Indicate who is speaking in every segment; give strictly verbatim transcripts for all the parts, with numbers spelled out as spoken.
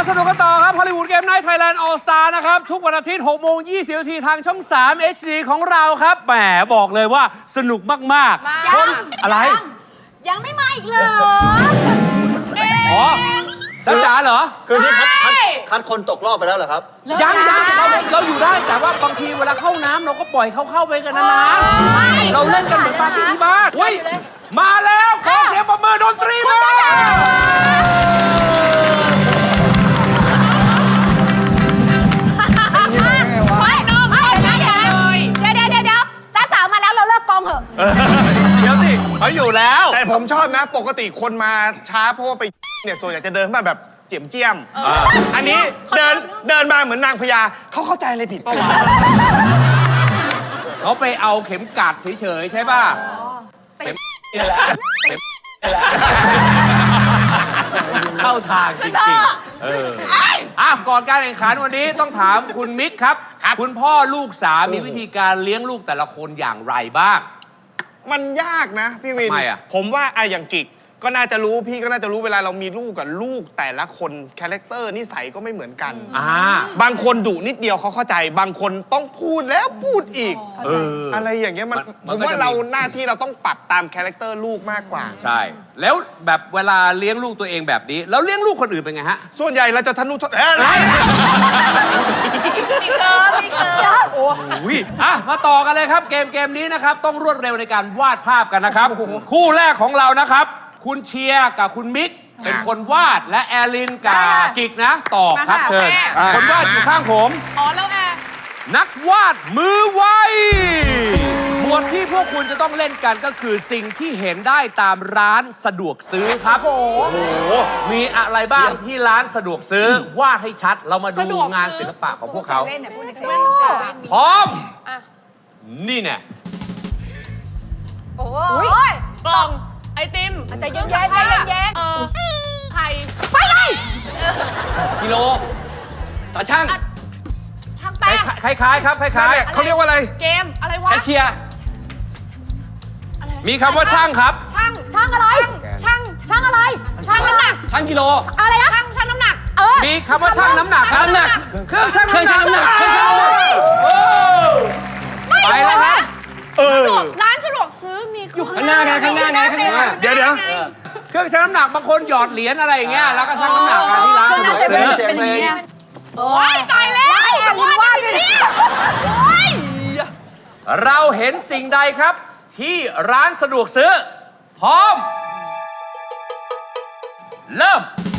Speaker 1: สนุกกันต่อครับฮอลลีวูดเกมไนท์ไทยแลนด์ออลสตาร์นะครับทุกวันอาทิตย์หกโมงยี่สิบนาทีทางช่องสาม เอช ดี ของเราครับแหมบอกเลยว่าสนุกมากๆคนอะไร
Speaker 2: ยังไม่มาอีกเหรอ
Speaker 1: อ๋อจ้าจ๋าเหรอ
Speaker 3: คือนี่คัดคัดคัดคนตกรอบไปแล้วเหรอครับ
Speaker 1: ยังยังเราเราอยู่ได้แต่ว่าบางทีเวลาเข้าน้ำเราก็ปล่อยเขาเข้าไปกันนะนะเราเล่นกันเหมือนปาร์ตี้ที่บ้านเฮ้ยมาแล้วขอเสียงปรบมือดนตรีมา
Speaker 2: ไม่น้องไม่เดี๋ยวเดี๋ยวเดี๋ยวเดี๋ยวจ้าจ๋ามาแล้วเราเลิกกองเถอะ
Speaker 1: เดี๋ยวสิเขาอยู่แล้ว
Speaker 4: แต่ผมชอบนะปกติคนมาช้าเพราะว่าไปเนี่ยส่วนใหญ่จะเดินมาแบบเจียมเจียมอันนี้เดินเดินมาเหมือนนางพญาเขาเข้าใจอะไรผิดป่าวะ
Speaker 1: เขาไปเอาเข็มกัดเฉยๆใช่ป่ะเข็มนี่แหละเข้าทางจริงๆเอออ่ะก่อนการแข่งขันวันนี้ต้องถามคุณมิกครับคุณพ่อลูกสามมีวิธีการเลี้ยงลูกแต่ละคนอย่างไรบ้าง
Speaker 4: มันยากนะพี่วินผมว่าไอ้อย่างกิกก็น่าจะรู้พี่ก็น่าจะรู้เวลาเรามีลูกกับลูกแต่ละคนคาแรคเตอร์นิสัยก็ไม่เหมือนกัน
Speaker 1: อ่า
Speaker 4: บางคนดุนิดเดียวเขาเข้าใจบางคนต้องพูดแล้วพูดอีก
Speaker 1: เออ
Speaker 4: อะไรอย่างเงี้ยมันผมว่าเราหน้าที่เราต้องปรับตามคาแรคเตอร์ลูกมากกว่า
Speaker 1: ใช่แล้วแบบเวลาเลี้ยงลูกตัวเองแบบนี้แล้วเลี้ยงลูกคนอื่นเป็นไงฮะ
Speaker 4: ส่วนใหญ่เราจะทะนุถนอม
Speaker 2: มีเคิร์ฟมีเคิร์ฟโอ้
Speaker 1: ยอ่ะมาต่อกันเลยครับเกมเกมนี้นะครับต้องรวดเร็วในการวาดภาพกันนะครับคู่แรกของเรานะครับคุณเชียร์กับคุณมิกเป็นคนวาดและแอลลินกับกิกนะตอบครับเชิญคนวาดอยู่ข้างผม
Speaker 2: อ๋อแล้วแอ
Speaker 1: นักวาดมือไวหมวดที่พวกคุณจะต้องเล่นกันก็คือสิ่งที่เห็นได้ตามร้านสะดวกซื้อครับโอ้โหมีอะไรบ้างที่ร้านสะดวกซื้อวาดให้ชัดเรามาดูงานศิลปะของพวกเขาพร้อมนี่เนี่ย
Speaker 2: โอ้ยกล่องไอติมใจเย็นๆใจเย็นๆเออไข่ไปเลย
Speaker 1: กิโลตาช่าง
Speaker 2: ช่างแป้ง
Speaker 1: คล้ายๆครับคล้าย
Speaker 4: ๆเขาเรียกว่าอะไร
Speaker 2: เกมอะไรวะ
Speaker 1: แคชเชียร์มีคำว่าช่างครับ
Speaker 2: ช่างช่างอะไรช่างช่างอะไรช่างน้ำหนัก
Speaker 1: ช่างกิโล
Speaker 2: อะไรนะช่างช่างน้ำหนักเออ
Speaker 1: มีคำว่าช่างน้ำหนักน้ำหนักเครื่องช่างเครื่องช่างน้ำหนักไปแล้วครับ
Speaker 4: เออ
Speaker 2: ร้านสะดวกซื้อมี
Speaker 1: อยู่ข้างหน้าไงข้างหน้าไงข้างหน้า
Speaker 4: เดี๋ยวเดี๋ยว
Speaker 1: เครื่องชั่งน้ำหนักบางคนหยอดเหรียญอะไรอย่างเงี้ยแล้วก็ชั่งน้ำหนักกันที่ร้านสะดวกซื้อ
Speaker 2: เป็นอย่างนี้โอ้ยตายแล้วจะวาดอะไรเนี่ยโอ้ย
Speaker 1: เราเห็นสิ่งใดครับที่ร้านสะดวกซื้อพร้อมเริ่ม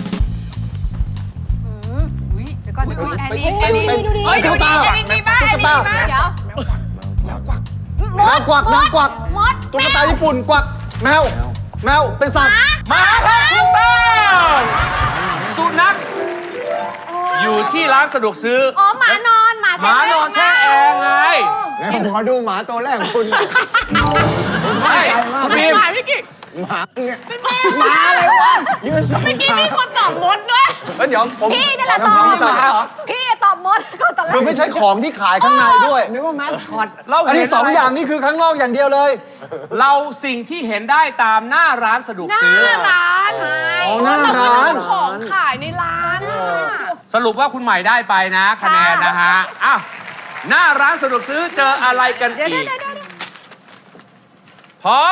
Speaker 2: อุ้ยเดี๋ยวก่อนเดี๋ยวก่อนแอลลี่แอลลี่ดูดิดูดิแอลลี่ดีมากแอลลี่ดีมากเดี๋ยว
Speaker 3: แมวกวักแมวกวักแมวกวักตุ๊กตาญี่ปุ่นกวักแมวแมวเป็นสัตว์
Speaker 1: หมาครับถูกต้องสุนัขอยู่ที่ร้านสะดวกซื้อ
Speaker 2: อ๋อหมานอนหมา
Speaker 1: หมานอนแช่แอร์ไง
Speaker 3: แล้วขอดูหมาตัวแรกของคุณ
Speaker 1: ใช่คุณบีม
Speaker 3: หมาเนี่ยหมาอะไรวะยืนสองขาเมื่อกี้
Speaker 2: มีคนตอบมดด้วย
Speaker 3: เดี๋ยวผม
Speaker 2: พี่นี่แหละตอบพี่ตอบมด
Speaker 3: คือไม่ใช่ของที่ขายข้างในด้วยนึกว่าแมสคอตอันนี้สองอย่างนี่คือข้างนอกอย่างเดียวเลย
Speaker 1: เราสิ่งที่เห็นได้ตามหน้าร้านสะดวกซื้อ
Speaker 2: หน้าร้าน
Speaker 3: อ๋อหน้าร้าน
Speaker 2: ของขายในร้าน
Speaker 1: สรุปว่าคุณใหม่ได้ไปนะคะแนนนะฮะอ้าวหน้าร้านสะดวกซื้อเจออะไรกันอีกพร้อม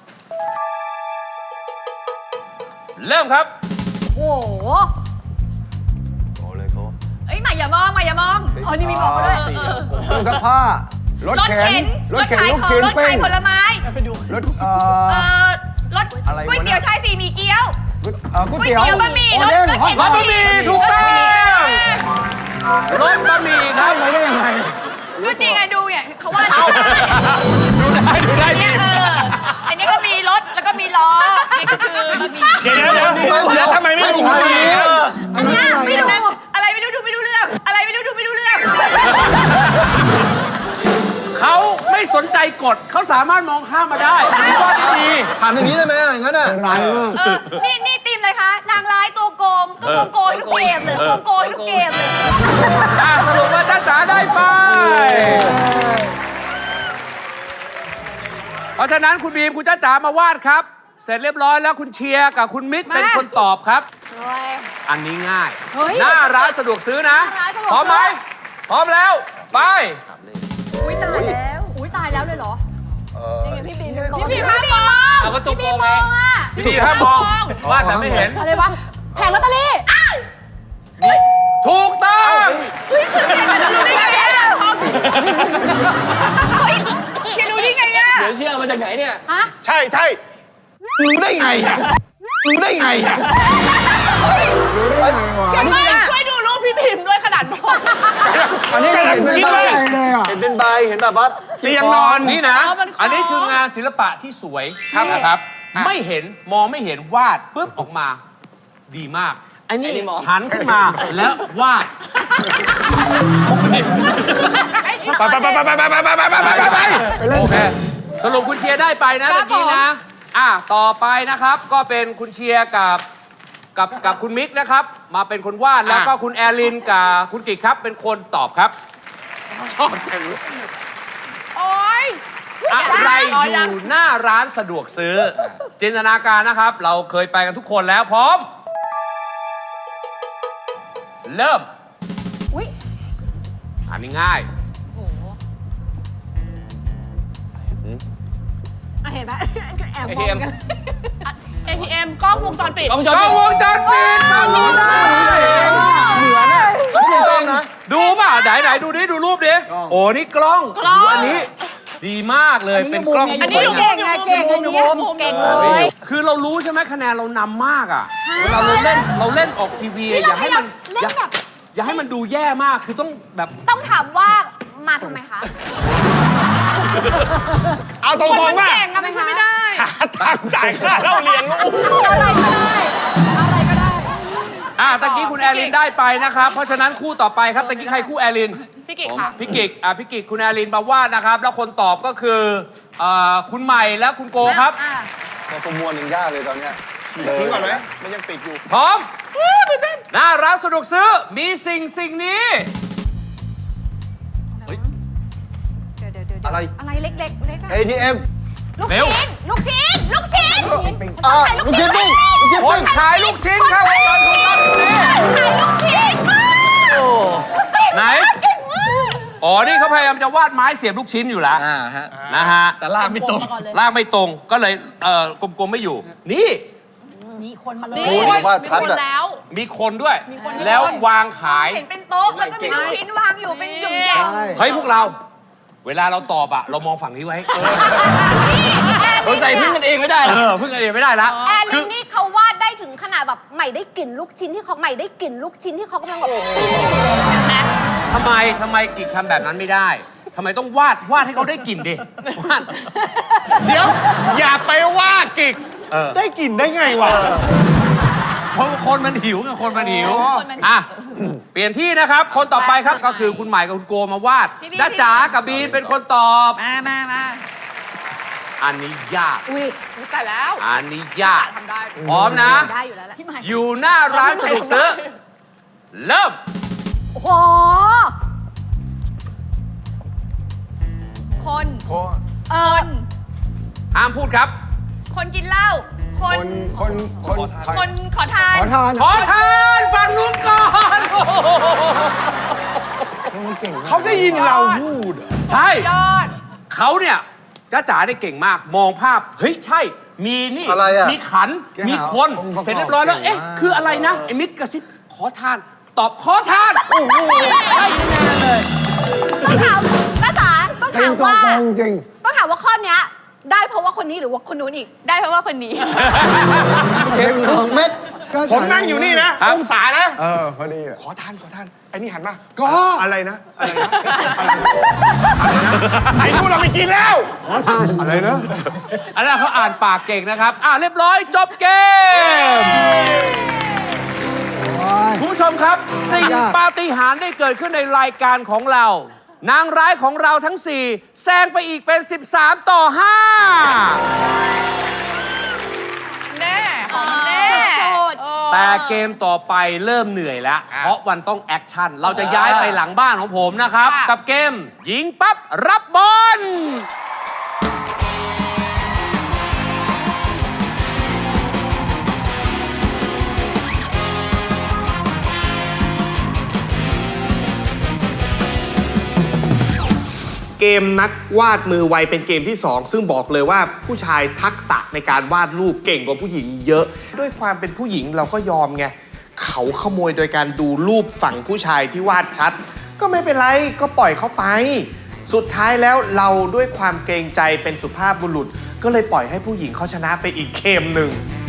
Speaker 1: เริ่มครับ
Speaker 2: โอ้โห
Speaker 3: โอ้เลยโก้
Speaker 2: เอ้ยใหม่อย่ามองใหม่อย่ามองอ๋อนี่มีบอกมาด้วย
Speaker 3: เครื่องซักผ้ารถเข็น
Speaker 2: รถขายของรถขายผลไม้
Speaker 3: รถเอ่อ
Speaker 2: รถก๋วยเตี๋ยวชายสี่หมี่เกี๊ยว
Speaker 3: ก๋วยเตี๋ยว
Speaker 2: บะหมี่รถรถเข็น
Speaker 1: บะหมี่ถูกต้องรถบะหมี่ครับ
Speaker 3: ไม่ได้ยังไง
Speaker 2: ก็จริงไงดูเนี่ยเขาว่า
Speaker 1: ดูได้ดูได้ดี
Speaker 2: อันนี้ก็มีรถแล้วก็มีล้อนี่ก็คือบะหมี่
Speaker 4: เดี๋ยวเดี๋ยวเดี๋ยวทำไมไม่ดู
Speaker 2: อันนี้ไม่รู้อะไรไม่รู้ดูไม่รู้เรื่องอะไรไม่รู้ดูไม่รู้เรื่อง
Speaker 1: เขาไม่สนใจกฎเขาสามารถมองข้ามมาได้ว่าดี
Speaker 3: ถามอย่างนี้ได้ไหมอย่างนั้นอ่ะร้ายมาก
Speaker 2: นี่นี่ทีมเลยคะนางร้ายตัวโกงก็โกงโกยทุกเกมเลยโกงโกยทุกเกมเลย
Speaker 1: สรุปว่าจ้าจ๋าได้ไปเพราะฉะนั้นคุณบีมคุณจ้าจ๋ามาวาดครับเสร็จเรียบร้อยแล้วคุณเชียร์กับคุณมิกเป็นคนตอบครับ
Speaker 2: เฮ้ย
Speaker 1: อันนี้ง่าย
Speaker 2: เฮ้ย
Speaker 1: หน้าร้านสะดวกซื้อนะ
Speaker 2: หน้าร้านสะดวกซื้อ
Speaker 1: พร้อมไหมพร้อมแล้ว ไป
Speaker 2: อุ้ยตายแล้ว อุ้ยตายแล้วเลยเหรอจริงๆพี่บีมพี่บีม
Speaker 1: เอา
Speaker 2: พี่บีม
Speaker 1: เอาก็ตุ้ม
Speaker 2: พี่
Speaker 1: โก
Speaker 2: บี
Speaker 1: ง
Speaker 2: ม
Speaker 1: ไง
Speaker 2: มองอ่ะ
Speaker 1: พี่บีห้ามมองวาดแต่ไม่เห็น
Speaker 2: อะไรวะแผงลอตเตอรี่
Speaker 1: ถูกต้อง
Speaker 2: เฮ้ยตื่นเต้นอะรู้ได้ไงอะเฮ้ยเชียร์รู้ได้ไงอะ
Speaker 3: เดี๋ยวเชื่อมาจากไหนเนี่ย
Speaker 2: ฮะ
Speaker 4: ใช่ใช่รู้ได้ไงอ่ะรู้ได้ไงอ่ะ
Speaker 2: ไม่ช่วยดูรูปพี่พิมพ์ด้วยขนาดมอง
Speaker 3: อันนี้
Speaker 4: กำลัง
Speaker 3: เห็นเป็น
Speaker 4: คิด
Speaker 3: ใบ
Speaker 4: ว่า
Speaker 3: เลยอ่ะเห็นเป็นใบเห็นแบบว่า
Speaker 4: เตียงนอน
Speaker 1: นี่นะ อันนี้คืองานศิลปะที่สวยนะครับ ไม่เห็นมองไม่เห็นวาดปุ๊บออกมา ดีมาก อันนี้หันขึ้นมาแล้ววาด
Speaker 4: ไปไปไปไปไปไปไปไปไปไปไป
Speaker 1: โอเค สรุปคุณเชียร์ได้ไปนะเมื่อกี้นะ อ่ะ ต่อไปนะครับก็เป็นคุณเชียร์กับกับกับคุณมิกนะครับ มาเป็นคนวาดแล้วก็คุณแอลินกับคุณกิกครับ เป็นคนตอบครับ ชอบจังเลย
Speaker 2: โอ๊ย
Speaker 1: อะไรอยู่หน้าร้านสะดวกซื้อ จินตนาการนะครับ เราเคยไปกันทุกคนแล้วพร้อม เริ่ม
Speaker 2: อุ้ย
Speaker 1: อันนี้ง่าย
Speaker 2: โอ้โหอ่ะเห็นไหมแอบมองกัน
Speaker 5: เอ ที เอ็ม กล้องวงจรปิด
Speaker 1: กล้องวงจรปิดฟังดูได้
Speaker 3: เหมือนอ่ะไม่ใช่กล้องนะ
Speaker 1: ดูป่ะไหนไหนดูดิดูรูปดิโอ้นี่กล้อง
Speaker 5: กล้อง
Speaker 1: โอันนี้ ดีมากเลยเป็นกล้อง
Speaker 5: อัน
Speaker 1: ที่
Speaker 5: นี้
Speaker 1: สวย
Speaker 5: อยู่
Speaker 1: งาม
Speaker 5: เก่งไงเก่งไงหนู
Speaker 2: เก่งเลย
Speaker 1: คือเรารู้ใช่ไหมคะแนนเรานำมากอ่ะเวลาเราเล่นเราเล่นออกทีวีอะอย่าให้มัน
Speaker 2: เล่น
Speaker 1: อย่า
Speaker 2: แบบ
Speaker 1: อย่าให้มันดูแย่มากคือต้องแบบ
Speaker 2: ต้องถามว่ามาทำไมคะ
Speaker 4: เอาตรงๆว่า
Speaker 5: เก่งอะมันช่วยไม่ได้
Speaker 4: หาทางจ่ายค่าเล่าเรียนลูก
Speaker 2: อะไรก็ได้ อะไรก็ได้
Speaker 1: อ่ะตะกี้คุณแอลินได้ไปนะครับ เพราะฉะนั้นคู่ต่อไปครับตะกี้ใครคู่แอลิน
Speaker 5: พี่กิกค่ะ
Speaker 1: พี่กิกอ่ะพี่กิกคุณแอลินมาวาดนะครับ แล้วคนตอบก็คือเอ่อคุณใหม่และคุณโกครับ
Speaker 2: อ่ะ
Speaker 3: แต่ประมวลยังยากเลยตอนเนี้ย
Speaker 4: ทิ้งก่อนไหมมันยังติดอยู่
Speaker 1: พร้อมหน้าร้านสะดวกซื้อมีสิ่งสิ่งนี้
Speaker 2: เดี๋ยวเดี๋ยวเดี๋ยว
Speaker 3: อะไร
Speaker 2: อะไรเล็กๆเล็กอะ
Speaker 3: เอ ที เอ็ม
Speaker 2: ลูก
Speaker 1: เร็ว
Speaker 2: ชิ้น ลูกชิ้น ลูกชิ้น
Speaker 3: อ่า
Speaker 2: ขาย
Speaker 3: ลูกชิ้นปิ้งลูกชิ้น
Speaker 1: ค
Speaker 3: ปิ้
Speaker 1: น
Speaker 3: ง
Speaker 1: ขายลูกชิ้นครับวงจรปิดครับนี่
Speaker 2: ขายลูกชิ้น
Speaker 1: ไหน อ๋อ นี่เขาพยายามจะวาดไม้เสียบลูกชิ้นอยู่แล้วนะฮะ
Speaker 3: แต่ลากไม่ตรง
Speaker 1: ลากไม่ตรง ก็เลยเอ่อกลมๆไม่อยู่ นี่
Speaker 2: นี่คนมาเลย
Speaker 3: โอ้ยว่า
Speaker 5: มี
Speaker 3: ชัด
Speaker 5: คน
Speaker 3: อะ
Speaker 5: แล้ว
Speaker 1: มีคนด้วย
Speaker 2: คนด้วย
Speaker 1: แล้ววางขาย
Speaker 6: เห็นเป็นโต๊ะ แล้วก็มีลูกชิ้นวางอยู่เป็นหยุ่มแยง
Speaker 3: ใช่
Speaker 1: เฮ้ย พวกเรา เวลาเราตอบอะเรามองฝั่งนี้ไว้
Speaker 2: เราใจพึ่งกันเอง
Speaker 1: ไม่ได้ เออพึ่งกันเองไม่ได้ละ
Speaker 2: แอล
Speaker 1: คื
Speaker 2: ลิ
Speaker 1: อ
Speaker 2: นนี่เขาวาดได้ถึงขนาดแบบใหม่ได้กลิ่นลูกชิ้นที่เขาใหม่ได้กลิ่นลูกชิ้นที่เขากำลังแบบ
Speaker 1: ทำไมทำไมกิจทำแบบนั้นไม่ได้ทำไมต้องวาดวาดให้เขาได้กลิ่นดิวาด
Speaker 4: เดี๋ยว อย่าไปว่ากิก
Speaker 1: เออ
Speaker 4: ได้กลิ่นได้ไงวะ
Speaker 1: เพราะคนมันหิวไงคนมันหิวอ่ะเปลี่ยนที่นะครับ คนต่อไปครับก็คือคุณใหม่กับคุณโกมาวาด
Speaker 6: พี่บี
Speaker 1: จ้าจ๋ากับบีนเป็นคนตอบ
Speaker 6: มามามา
Speaker 1: อันนี้ยาก
Speaker 2: อุ้ย
Speaker 5: รู้จักแล้ว
Speaker 1: อันนี้ยาก
Speaker 5: ทำได้
Speaker 1: พร้อมนะ
Speaker 2: ได้อยู่แล้วแหละพี่ใหม่
Speaker 1: อยู่หน้าร้านสะดวกซื้อ เริ่ม
Speaker 2: โอ้โห
Speaker 6: คน
Speaker 2: เออ
Speaker 1: ห้ามพูดครับ
Speaker 6: คนกินเหล้า คน
Speaker 3: คนคน
Speaker 6: คนขอทาน
Speaker 3: ขอทาน
Speaker 1: ขอทานฝั่งนู้นก่อนโอ้โห
Speaker 4: เขาได้ยินเราพูด
Speaker 1: ใช่
Speaker 5: ยอด
Speaker 1: เขาเนี่ยจ้าจ๋าได้เก่งมาก มองภาพ เฮ้ย ใช่ มีนี่
Speaker 3: อะไรอะ
Speaker 1: มีขัน
Speaker 3: แกหา
Speaker 1: มีคน
Speaker 3: องค์ประกอบ
Speaker 1: เสร็จเรียบร้อยแล้ว
Speaker 3: เก่ง
Speaker 1: เอ๊ะ
Speaker 3: มาก
Speaker 1: คืออะไรนะ ไอ้มิตรกระซิบ ขอทาน ตอบขอทาน โอ้โหใช่แน่เลย
Speaker 2: ต้องถามจ้าจ๋าต้อง
Speaker 3: จริ
Speaker 2: ถาง ม
Speaker 3: ตัว
Speaker 2: ว่า
Speaker 3: ตรงจริง
Speaker 2: ต้องถามว่าข้อเนี้ยได้เพราะว่าคนนี้หรือว่าคนนู้นอีก
Speaker 6: ได้เพราะว่าคนนี้
Speaker 3: เก่งทุกเม็ดก็
Speaker 4: ผมนั่งอยู่นี่นะ
Speaker 1: ครับ
Speaker 4: องศานะ
Speaker 3: เออพอดีอะ
Speaker 4: ขอทานขอทานไอ้นี่หันมา
Speaker 3: ก็
Speaker 4: อะไรนะ อะไรนะ อะไรนะอะไรนะไอ้นู่นเราไม่กินแล้ว
Speaker 3: อะไรนะ
Speaker 1: อันนั้นเขาอ่านปากเก่งนะครับ อ่าเรียบร้อยจบเกม คุณผู้ชมครับ สิ่ง
Speaker 3: ยาก
Speaker 1: ปาฏิหาริย์ได้เกิดขึ้นในรายการของเรา นางร้ายของเราทั้งสี่แซงไปอีกเป็น สิบสาม ต่อ ห้า
Speaker 5: แน่ของแน่
Speaker 6: สุด
Speaker 5: เออ
Speaker 1: แต่เกมต่อไปเริ่มเหนื่อยแล้ว เพราะวันต้องแอคชั่น เราจะย้ายไปหลังบ้านของผมนะครับ
Speaker 5: ค่ะ
Speaker 1: กับเกม ยิงปั๊บ รับบอล
Speaker 4: มนักวาดมือไวเป็นเกมที่สองซึ่งบอกเลยว่าผู้ชายทักษะในการวาดรูปเก่งกว่าผู้หญิงเยอะ ด้วยความเป็นผู้หญิงเราก็ยอมไงเขาขโมยโดยการดูรูปฝั่งผู้ชายที่วาดชัด ก็ไม่เป็นไรก็ปล่อยเขาไป สุดท้ายแล้วเราด้วยความเกรงใจเป็นสุภาพบุรุษ ก็เลยปล่อยให้ผู้หญิงเขาชนะไปอีกเกมหนึ่ง